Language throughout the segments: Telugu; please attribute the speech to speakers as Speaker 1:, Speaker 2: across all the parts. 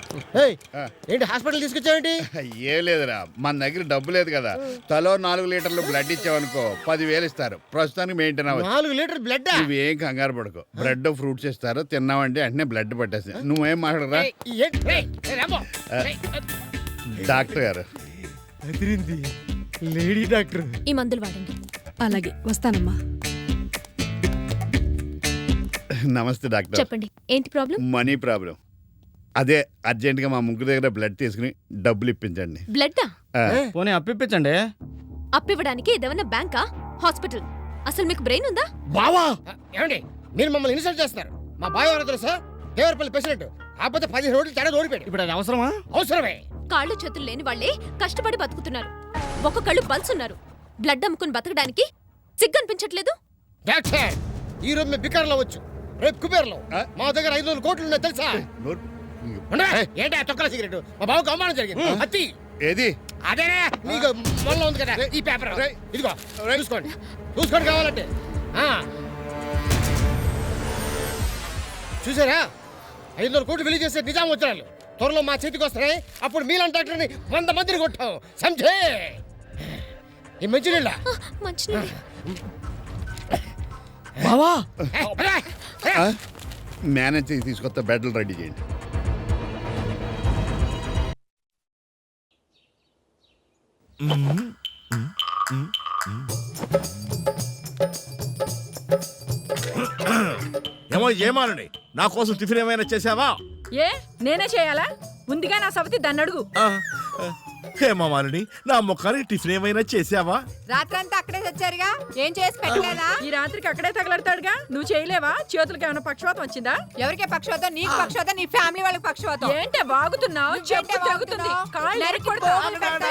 Speaker 1: ఏంటి హాస్పిటల్ తీసుకొచ్చావేంటి?
Speaker 2: ఏం లేదురా, మన దగ్గర డబ్బు లేదు కదా. తలో 4 లీటర్లు బ్లడ్ ఇచ్చావనుకో 10,000 ఇస్తారు. ప్రస్తుతానికి మెయింటైన్ అవ్వచ్చు.
Speaker 1: 4 లీటర్ బ్లడ్?
Speaker 2: నువ్వేం కంగారు పడుకో, బ్రెడ్ ఫ్రూట్స్ ఇస్తారు, తిన్నావంటే వెంటనే బ్లడ్ పట్టేసి. నువ్వేం మాట్లాడరా డాక్టర్ గారు.
Speaker 1: Lady doctor.
Speaker 3: ఈ మందులు వాడండి.
Speaker 4: అలాగే వస్తానమ్మా.
Speaker 2: నమస్తే డాక్టర్.
Speaker 3: చెప్పండి, ఏంటి ప్రాబ్లం?
Speaker 2: Money problem. అదే అర్జెంట్ గా మా ముగ్గురు దగ్గర బ్లడ్ తీసుకుని డబ్బులు ఇప్పించండి.
Speaker 3: బ్లడ్డా?
Speaker 5: పోనీ అప్పిప్పించండి.
Speaker 3: అప్పివ్వడానికి ఇదేమన్నా బ్యాంకా, హాస్పిటల్? అసలు మీకు బ్రెయిన్ ఉందా?
Speaker 1: బావా ఏమండి మీరు మమ్మల్ని ఇన్సల్ట్ చేస్తున్నారు? మా బాయ్ ఎవరో తెలుసా? దేవరపల్లి ప్రెసిడెంట్. కాకపోతే 10 రోజులు తేడా ఓడిపోయాడు.
Speaker 5: ఇప్పుడు అది అవసరమా?
Speaker 1: అవసరమే.
Speaker 3: కాళ్ళు చేతులు లేని వాళ్ళే కష్టపడి బతుకుతున్నారు. ఒక్కొక్కళ్ళు పల్స్ ఉన్నారు. బ్లడ్ అమ్ముకుని బతకడానికి సిగ్గనిపించట్లేదు?
Speaker 1: డాక్టర్ ఈ రోజు మేము బికార్లో వచ్చు, రేపు కుబేర్లో. మా దగ్గర 500 కోట్లు ఉన్నాయి తెలుసా? ఏంటి ఆ తొక్కల సిగరెట్? మా బావకు అవమానం జరిగింది. అత్తి
Speaker 2: ఏది?
Speaker 1: అదేనే నీకు మొన్న ఉంది కదా ఈ పేపర్. ఇదిగో చూసుకోండి, చూసుకోండి కావాలంటే. చూసారా, 500 కోట్లు విలువ చేసే నిజాం వజ్రాలు త్వరలో మా చేతికి వస్తున్నాయి. అప్పుడు మీలాంటి డాక్టర్ని 100 మందిని కొట్టాం. సంజే ఈ మంచినీళ్ళ
Speaker 3: మంచినీళ్ళు.
Speaker 5: బావా
Speaker 2: మేనేజ్ తీసుకొస్తా, బెడ్లు రెడీ చేయండి.
Speaker 6: ఏమో ఏమానండి, నా కోసం టిఫిన్ ఏమైనా చేసావా?
Speaker 4: ఏ నేనే చేయాలా? ఉందిగా నా సవతి, దాన్ని అడుగు.
Speaker 6: హేమామాలిని, నా ముఖానికి టిఫిన్ ఏమైనా చేసావా?
Speaker 7: రాత్రంతా అక్కడే తెచ్చారుగా, ఏం చేసి పెట్టలేదా?
Speaker 4: ఈ రాత్రికి అక్కడే తగలడతాడుగా, నువ్వు చేయలేవా? చేతులకి ఏమైనా పక్షవాతం వచ్చిందా?
Speaker 7: ఎవరికే పక్షవాతం? నీకు పక్షవాతం, నీ ఫ్యామిలీ వాళ్ళకి పక్షవాతం.
Speaker 4: ఏంటే బాగుతున్నావు? చెప్పు తెగుతుంది. కాళ్ళు ఎరక్కొడతావు.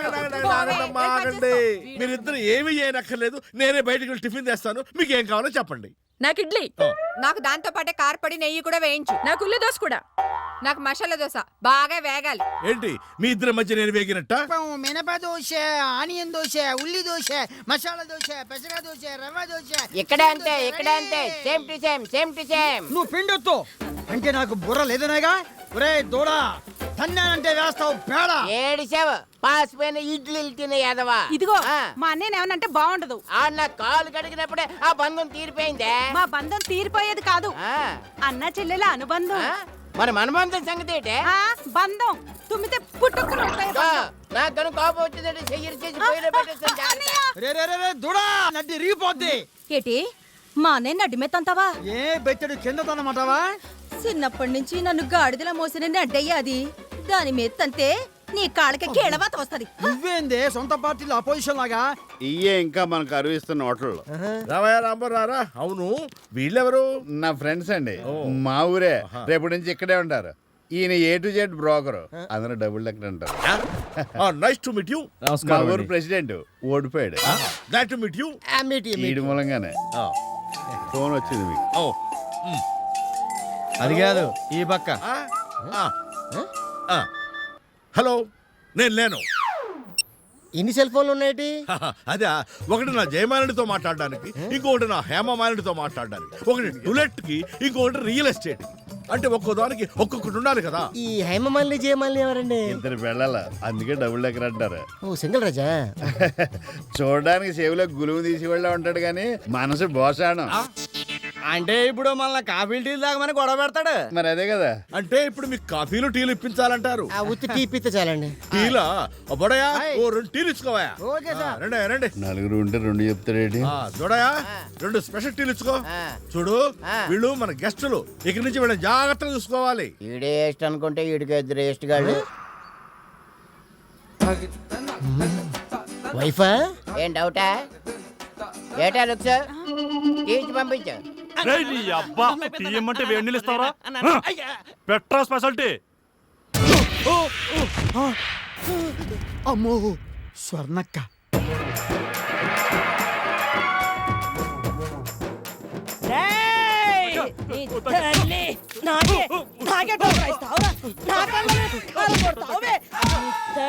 Speaker 6: మీరిద్దరు ఏమీ చేయనక్కర్లేదు, నేనే బయటకు వెళ్ళి టిఫిన్ తెస్తాను. మీకు ఏం కావాలో చెప్పండి.
Speaker 4: నాకు ఇడ్లీ.
Speaker 7: నాకు దాంతో పాటే కారపొడి, నెయ్యి కూడా వేయించు.
Speaker 4: నాకు ఉల్లి దోశ కూడా.
Speaker 7: నాకు మసాలా దోశ బాగా వేగాలి.
Speaker 6: ఏంటి మీ ఇద్దరి మధ్య నేను వేగినట్ట?
Speaker 8: మినప దోశ, ఆనియన్ దోశ, ఉల్లి దోశ, మసాలా దోశ, పెసర దోశ, రవ్వ దోశ.
Speaker 7: ఇక్కడ అంతే, ఇక్కడ అంతే, same to same, same to same.
Speaker 8: నువ్వు పిండొద్దు అంటే నాకు బుర్ర లేదనేగా. ఒరే దూడా, తన్నానంటే వేస్తావు పేడ.
Speaker 7: ఏడిసావు, పాసిపోయిన ఇడ్లీలు తినే యాదవా.
Speaker 4: ఇదిగో మా అన్నయ్య ఏమనంటే బాగుండదు.
Speaker 7: నా కాలు కడిగినప్పుడే ఆ బంధం తీరిపోయిందే.
Speaker 4: మా బంధం తీరిపోయేది కాదు, అన్న చెల్లెల అనుబంధం.
Speaker 7: మరి మన బంధం సంగతి ఏంటే?
Speaker 4: బంధం తుమ్మితే పుట్టుకుని
Speaker 7: నాకు కోపం వచ్చిందంటే చెయ్యి చేసి పోయిన పెట్టేస్తాను.
Speaker 8: దూడా నడ్డి రిగిపోద్ది.
Speaker 4: ఏటి మా అన్నయ్య నడ్డి మెత్తంతావా?
Speaker 8: ఏ బెచ్చడు కింద తనమాటవా?
Speaker 4: చిన్నప్పటి నుంచి నన్ను గాడిదల మోసిన నడ్డయ్య అది. దాని మెత్తంతే నీ కాళ్ళకి కేళవాత వస్తది.
Speaker 8: నువ్వేందే సొంత పార్టీలో అపోజిషన్ లాగా?
Speaker 2: ఇయ్యే ఇంకా మనకు అరువిస్తున్న హోటల్లో.
Speaker 6: రావయ్య రాంబో రారా. అవును, వీళ్ళెవరు?
Speaker 2: నా ఫ్రెండ్స్ అండి, మా ఊరే. రేపటి నుంచి ఇక్కడే ఉంటారు. ఈయన A to Z బ్రోకర్. అందరూ డబుల్ లెక్క అంటారు.
Speaker 6: Nice to meet you.
Speaker 2: మా ఊరు ప్రెసిడెంట్ ఓడిపోయాడు.
Speaker 6: Glad to meet you.
Speaker 2: ఈడి మూలంగానే ఫోన్ వచ్చింది మీకు.
Speaker 5: అది కాదు, ఈ పక్క.
Speaker 6: హలో, నేను లేను.
Speaker 1: ఎన్ని సెల్ ఫోన్లు ఉన్నాయి?
Speaker 6: అదే, ఒకటి నా జయమాలినితో మాట్లాడడానికి, ఇంకొకటి నా హేమమాలినితో మాట్లాడడానికి, ఒకటి డులెట్ కి, ఇంకొకటి రియల్ ఎస్టేట్. అంటే ఒక్కో దానికి ఒక్కొక్కటి ఉండాలి కదా.
Speaker 1: ఈ హేమమాలిని జయమాలిని ఎవరండి?
Speaker 2: ఇద్దరు వెళ్ళాల, అందుకే డబుల్ లెక్కర్ అంటారు.
Speaker 1: ఓ సింగిల్ రాజా.
Speaker 2: చూడడానికి సేవులో గులువు తీసి వెళ్ళ ఉంటాడు కానీ మనసు బోసాడం.
Speaker 5: అంటే ఇప్పుడు మళ్ళీ కాఫీ టీ తాగమని గొడవ పెడతాడు.
Speaker 2: మరి అదే కదా.
Speaker 6: అంటే ఇప్పుడు మీకు కాఫీలు టీలు ఇప్పించాలంటారు.
Speaker 1: ఉత్తి టీ ఇప్పితే చాలండి.
Speaker 6: టీలా? బొడయా, ఓ 2 టీలు ఇచ్చుకోవా. రండి రండి.
Speaker 2: నలుగురు ఉంటే 2 చెప్తాడేంటి?
Speaker 6: చూడయా, 2 స్పెషల్ టీలు ఇచ్చుకో. చూడు, వీళ్ళు మన గెస్టులు, ఇక్కడి నుంచి వీళ్ళని జాగ్రత్తగా చూసుకోవాలి.
Speaker 7: ఈడే వేస్ట్ అనుకుంటే ఈడికి ఇద్దరు వేస్ట్ గాళ్ళు.
Speaker 1: వైఫా?
Speaker 7: ఏం డౌటా? ఏటా లుక్స్ తీసి పంపించు.
Speaker 9: తీయమంటే వేడి నీళ్ళు ఇస్తావరా? Petra speciality.
Speaker 8: అమ్మో స్వర్ణక్క.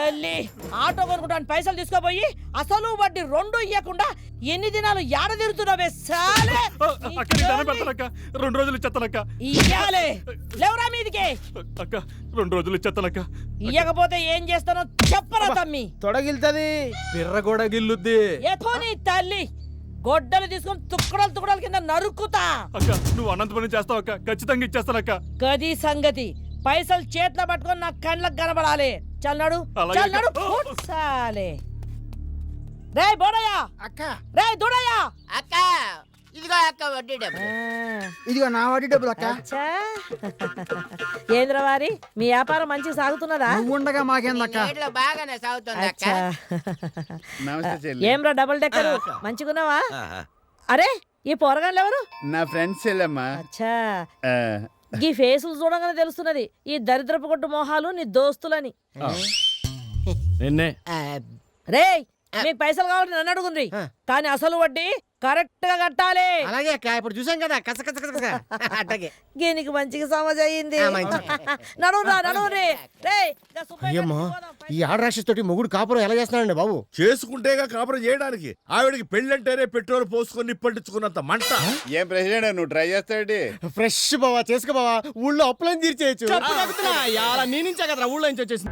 Speaker 7: తల్లి ఆటో కొనుక్కోడానికి పైసలు తీసుకోపోయి అసలు వడ్డీ రెండు ఇయ్యకుండా ఎన్ని దినాలు ఏడ తిరుగుతున్నావే సాలే
Speaker 9: అక్క నీకు దండం పెడతానక్క 2 రోజులు ఇచ్చేస్తానక్క
Speaker 7: ఇయ్యాలే లేవరా మీదికి
Speaker 9: అక్క 2 రోజులు ఇచ్చేస్తానక్క
Speaker 7: ఇయ్యకపోతే ఏం చేస్తానో చెప్పరా తమ్మి
Speaker 5: తొడగిల్తది పిర్ర కూడా గిల్లుద్ది
Speaker 7: ఎథో నీ తల్లి గొడ్డలు తీసుకొని తుక్కడలు తుక్కడల కింద నరుక్కుతా
Speaker 9: అక్క నువ్వు అనంతపురం చేస్తావు అక్క ఖచ్చితంగా ఇచ్చేస్తానక్క
Speaker 7: గది సంగతి పైసలు చేతిలో పట్టుకొని నా కళ్ళకు కనబడాలి చల్లాడు
Speaker 9: అలాగే
Speaker 7: చల్లాడు
Speaker 9: అక్క.
Speaker 7: సాలే రే బోడయ్య
Speaker 1: అక్క
Speaker 7: రే దూడయ్య
Speaker 10: అక్క ఇదిగో అక్క వడ్డీ డబ్బు
Speaker 8: ఇదిగో నా వడ్డీ డబ్బులు అక్క
Speaker 7: అచ్చా. ఏంద్రవారి మీ వ్యాపారం మంచి సాగుతున్నదా
Speaker 8: నువ్వు ఉండగా మాకేందక్క
Speaker 10: నేట్లో బాగానే సాగుతుంది అక్క
Speaker 7: అచ్చా.
Speaker 2: నమస్తే చెల్లి.
Speaker 7: ఏంరా డబుల్ డెక్కర్ మంచిగున్నావా అరే ఈ పోరగాళ్ళు ఎవరు
Speaker 2: నా ఫ్రెండ్స్ చెల్లమ్మా.
Speaker 7: అచ్చా
Speaker 2: ఆ,
Speaker 7: ఈ ఫేసులు చూడగానే తెలుస్తున్నది ఈ దరిద్రపు కొట్టు మొహాలు నీ దోస్తులని
Speaker 5: నిన్నే
Speaker 7: రేయ్ మీకు పైసలు కావాలి నన్ను అడుగుండ్రి కానీ అసలు వడ్డీ కరెక్ట్ గా కట్టాలి
Speaker 1: అలాగే అక్క ఇప్పుడు చూసాం కదా కస కస కస అట్టగే
Speaker 7: దీనికి మంచిగా సమజ్ అయ్యింది
Speaker 1: మంచిది.
Speaker 7: నడువురా నడువురి రేయ్ గా సుబ్బయ్య
Speaker 1: అయ్యమ్మా
Speaker 7: గారికి పోదాం,
Speaker 1: ఈ ఆడరాక్షస్ తోటి మొగుడు కాపురం ఎలా చేస్తున్నాడండి బాబు
Speaker 6: చేసుకుంటేగా కాపురం చేయడానికి ఆవిడకి పెళ్ళంటేనే పెట్రోల్ పోసుకొని నిప్పంటించుకున్నంత మంట.
Speaker 2: ఏం ప్రెసిడెంట్ నువ్వు ట్రై చేస్తావేంటి?
Speaker 1: ఫ్రెష్ బావా చేసుకో బావా ఊళ్ళో అప్పులని తీర్చేయచ్చు
Speaker 5: ఇలా నీ నుంచే కదరా ఊళ్ళో నుంచి వచ్చేసింది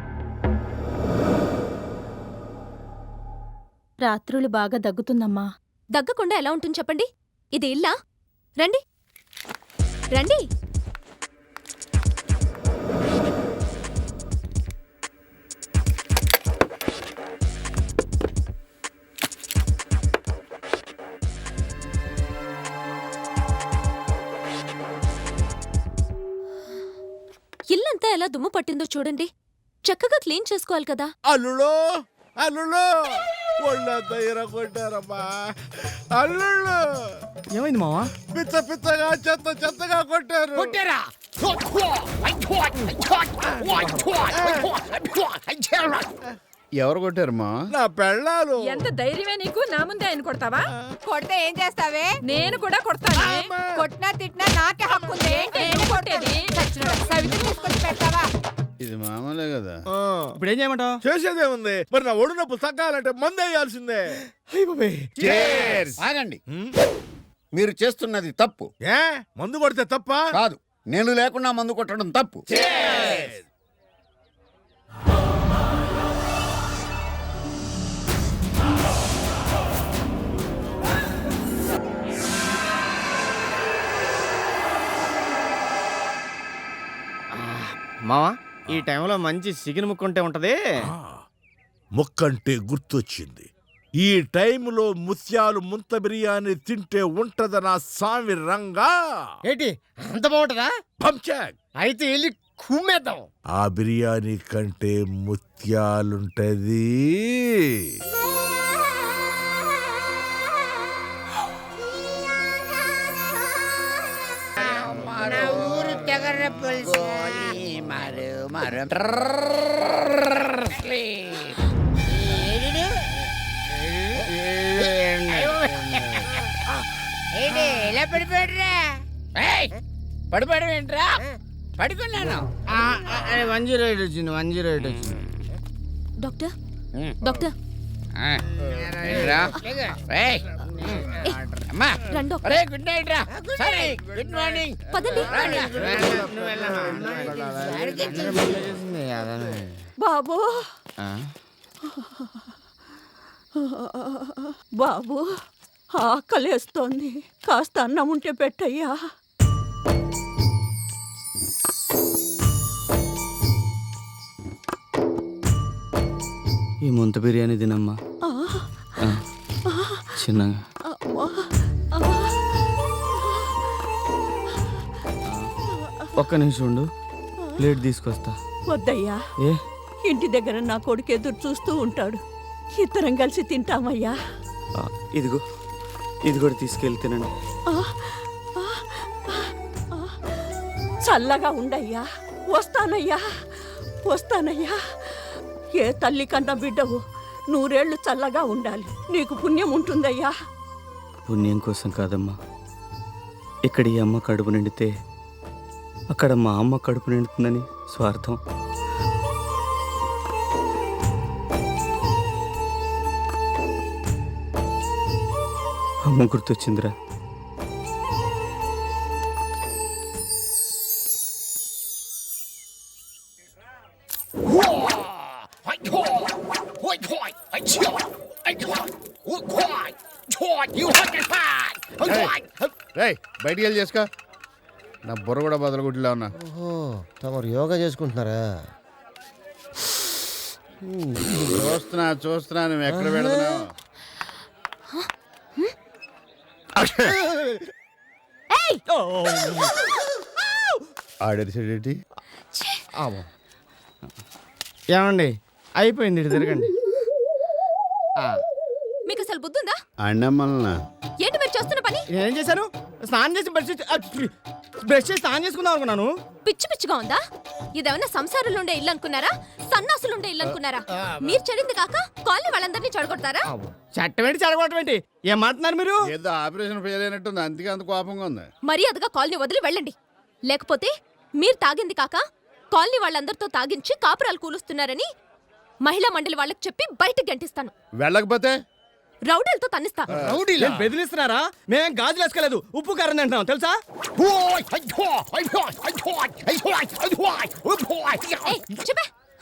Speaker 4: రాత్రులు బాగా దగ్గుతుందమ్మా.
Speaker 3: దగ్గకుండా ఎలా ఉంటుంది చెప్పండి ఇది ఇల్లా రండి రండి ఇల్లంతా ఎలా దుమ్ము పట్టిందో చూడండి చక్కగా క్లీన్ చేసుకోవాలి కదా
Speaker 6: అల్లులో అల్లులో ఒళ్ళంతా ఇరగొట్టారమ్మా. అల్లుళ్ళు
Speaker 5: ఏమైంది మావా
Speaker 6: పిచ్చ పిచ్చగా చెత్త చెత్తగా కొట్టారు.
Speaker 1: కొట్టారా
Speaker 2: ఎవరు కొట్టారమ్మా?
Speaker 6: నా పెళ్ళాలు
Speaker 4: ఎంత ధైర్యమే నీకు నా ముందే ఆయన కొడతావా?
Speaker 10: కొడితే ఏం చేస్తావే
Speaker 4: నేను కూడా కొడతాను.
Speaker 10: కొట్టినా తిట్టినా నాకే హక్కు ఉంది
Speaker 4: నేను కొట్టేది
Speaker 10: సవితి తీసుకొచ్చి పెడతావా
Speaker 2: ఇది మామూలే కదా.
Speaker 5: ఇప్పుడు ఏం చేయమంటావు
Speaker 6: చేసేదేముంది మరి నా ఒడు నొప్పి తగ్గాలంటే మందు వేయాల్సిందే.
Speaker 2: ఆగండి, మీరు చేస్తున్నది తప్పు.
Speaker 6: ఏ మందు కొడితే తప్ప?
Speaker 2: కాదు, నేను లేకుండా మందు కొట్టడం తప్పు.
Speaker 5: మావా ఈ టైంలో మంచి చికెన్ ముక్కుంటే ఉంటది
Speaker 6: ముక్కంటే గుర్తొచ్చింది. ఈ టైంలో ముత్యాలు ముంత బిర్యానీ తింటే ఉంటదనా సామి రంగా.
Speaker 1: ఏంటి అంత బాగుంటదా
Speaker 6: పంచాక్.
Speaker 1: అయితే వెళ్ళి కుమ్మేద్దాం
Speaker 6: ఆ బిర్యానీ కంటే ముత్యాలుంటది.
Speaker 10: నా ఊరు తెగర పులుసు ఏంటి ఎలా పడిపోయాడురా పడిపోవడం ఏంట్రా పడుకున్నాను
Speaker 5: 108 వచ్చింది 108 వచ్చింది
Speaker 3: డాక్టర్ డాక్టర్
Speaker 10: అమ్మా
Speaker 3: రండి డాక్టర్.
Speaker 10: అరే గుడ్ నైట్ రా సరే గుడ్ మార్నింగ్
Speaker 3: పదండి
Speaker 4: బాబు బాబు ఆకలేస్తోంది కాస్త అన్నం ఉంటే పెట్టయ్యా.
Speaker 5: ఈ ముంత బిర్యానీ తినమ్మా చిన్నగా ఒక్క నిమిషం ఉండు ప్లేట్ తీసుకొస్తా.
Speaker 4: వద్దయ్యా,
Speaker 5: ఏ
Speaker 4: ఇంటి దగ్గర నా కొడుకు ఎదురు చూస్తూ ఉంటాడు. ఇద్దరం కలిసి తింటామయ్యా.
Speaker 5: ఇదిగో ఇది కూడా తీసుకెళ్ళి తినండి.
Speaker 4: చల్లగా ఉండయ్యా. వస్తానయ్యా వస్తానయ్యా. ఏ తల్లి కన్నా బిడ్డవు 100 ఏళ్ళు చల్లగా ఉండాలి. నీకు పుణ్యం ఉంటుందయ్యా.
Speaker 5: పుణ్యం కోసం కాదమ్మా, ఇక్కడ ఈ అమ్మ కడుపు నిండితే అక్కడ మా అమ్మ కడుపు నిండుతుందని స్వార్థం. అమ్మ గుర్తొచ్చిందిరా.
Speaker 2: రేయ్ బయటికి వెళ్ళి చేసుకో. నా బుర్ర కూడా బదలగుడ్డిలా ఉన్నా.
Speaker 1: ఓహో తమరు యోగా చేసుకుంటున్నారా?
Speaker 2: చూస్తున్నా నువ్వు ఎక్కడ పెడుతున్నావు. ఆడేటి
Speaker 8: ఏమండి అయిపోయింది, ఇటు తిరగండి.
Speaker 3: మీకు అసలు బుద్ధుందా?
Speaker 2: అన్నమ్మల్నా
Speaker 3: ఏంటి మీరు చేస్తున్న పని?
Speaker 8: నేనేం చేశాను? స్నానం చేసి బ్రష్ చేసి స్నానం చేసుకుందాం అనుకున్నాను.
Speaker 3: పిచ్చి పిచ్చిగా ఉందా? ఇదేమన్నా సంసారాలు ఉండే ఇల్లు అనుకున్నారా? సన్నాసులు ఉండే ఇల్లు అనుకున్నారా? మీరు చెడింది కాక కాలనీ వాళ్ళందరినీ చెడగొడతారా?
Speaker 8: చట్టం ఏంటి చెడగొట్టం ఏంటి? ఏం మాట్లాడుతున్నారు మీరు?
Speaker 2: ఏదో ఆపరేషన్ ఫెయిల్ అయినట్టుంది, అందుకే అంత కోపంగా ఉంది.
Speaker 3: మర్యాదగా కాలనీ వదిలి వెళ్ళండి. లేకపోతే మీరు తాగింది కాక కాలనీ వాళ్ళందరితో తాగించి కాపురాలు కూలుస్తున్నారని మహిళా మండలి వాళ్ళకి చెప్పి బయటకు గంటిస్తాను.
Speaker 2: వెళ్ళకపోతే
Speaker 3: రౌడీలతో తన్నిస్తా.
Speaker 8: ఏం బెదిరిస్తున్నారా? మేమేం గాజులు వేసుకోలేదు, ఉప్పు కారం తింటున్నాం తెలుసా?
Speaker 3: ఏయ్, చెప్పే.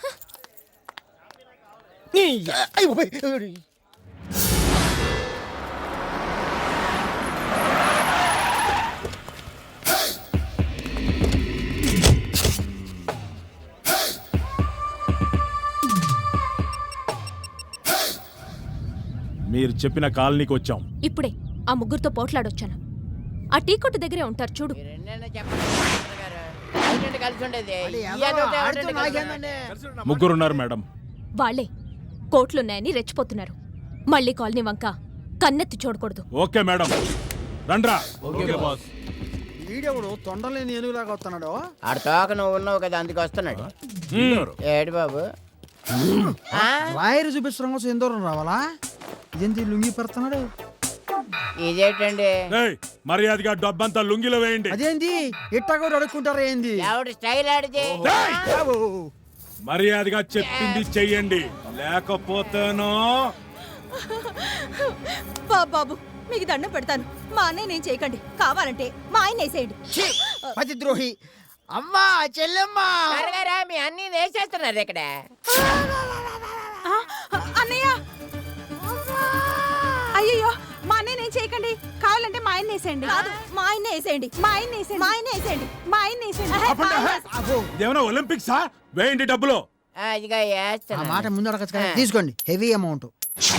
Speaker 9: మీరు చెప్పిన కాలనీకి వచ్చాం.
Speaker 3: ఇప్పుడే ఆ ముగ్గురుతో పోట్లాడొచ్చాను. ఆ టీ కొట్టు దగ్గరే ఉంటారు చూడు.
Speaker 10: రెండైనా చెప్పండి డాక్టర్ గారు. ఏంటంటే కలిసి ఉండేది ఈ అదొకటి ఎవరంటే కలిసి ఉండేది?
Speaker 9: ముగ్గురున్నారు మేడం.
Speaker 3: వాళ్లే కోట్లున్నాయని రెచ్చిపోతున్నారు. మళ్ళీ కాలనీ వంక కన్నెత్తి చూడకూడదు.
Speaker 9: ఓకే మేడం, రండ్రా.
Speaker 8: వీడెవడు తొండలేని ఏనుగులాగా వస్తున్నాడు?
Speaker 10: ఆడ తోక నువ్వు ఉన్నావు కదా, అందుకు వస్తున్నాడు. ఏడు బాబు
Speaker 8: రాయరు చూపిస్తాం కోసం ఎంతో రావాలా? ఇదేంటి లుంగి పెడుతున్నాడు?
Speaker 10: ఇదేంటండి?
Speaker 9: మర్యాదగా డబ్బంతా లుంగిలో వేయండి.
Speaker 8: అదేంటి ఇట్టా కూడా అడుక్కుంటారా ఏంది?
Speaker 10: ఎవడు స్టైల్ ఆడితే
Speaker 9: మర్యాదగా చెప్పింది చెయ్యండి, లేకపోతేనో.
Speaker 4: బాబు మీకు దండం పెడతాను. మా అన్నయ్య నేను చేయకండి. కావాలంటే మా ఆయన వేసేయండి.
Speaker 8: పతిద్రోహి! అమ్మా చెల్లెమ్మా!
Speaker 10: త్వరగా మీ అన్ని వేసేస్తున్నారు ఇక్కడ.
Speaker 4: అన్నయ్య అయ్యో మా అన్నయ్య నేను చేయకండి. కావాలంటే మా ఆయన వేసేయండి. కాదు మా ఆయన వేసేయండి. మా ఆయన వేసేయండి. మా ఆయన వేసేయండి. మా ఆయన వేసేయండి.
Speaker 9: ఇదేమన్నా ఒలింపిక్సా? వేయండి డబ్బులు.
Speaker 10: ఇదిగా
Speaker 8: ఆ
Speaker 10: వేస్తున్నా.
Speaker 8: మాట ముందు అడగచ్చు కదా, తీసుకోండి. Heavy amount.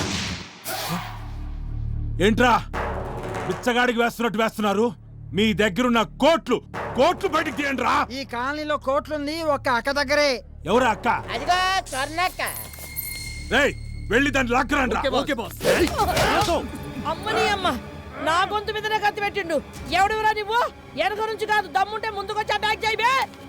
Speaker 9: ఏంట్రా బిచ్చగాడికి వేస్తున్నట్టు వేస్తున్నారు? మీ దగ్గరున్న కోట్లు కోట్లు బయటికి తీయండి రా.
Speaker 8: ఈ కాలనీలో కోట్లుంది ఒక్క అక్క దగ్గరే.
Speaker 9: ఎవరా అక్క?
Speaker 10: అదిగో స్వర్ణక్క.
Speaker 9: రేయ్ వెళ్ళి దాన్ని లాక్కరండి.
Speaker 7: అమ్మని అమ్మ నా గొంతు మీదనే కత్తి పెట్టిండు. ఎవడెవరా నువ్వు? వెనక నుంచి కాదు, దమ్ముంటే ముందుకొచ్చి అటాక్ చేయబే.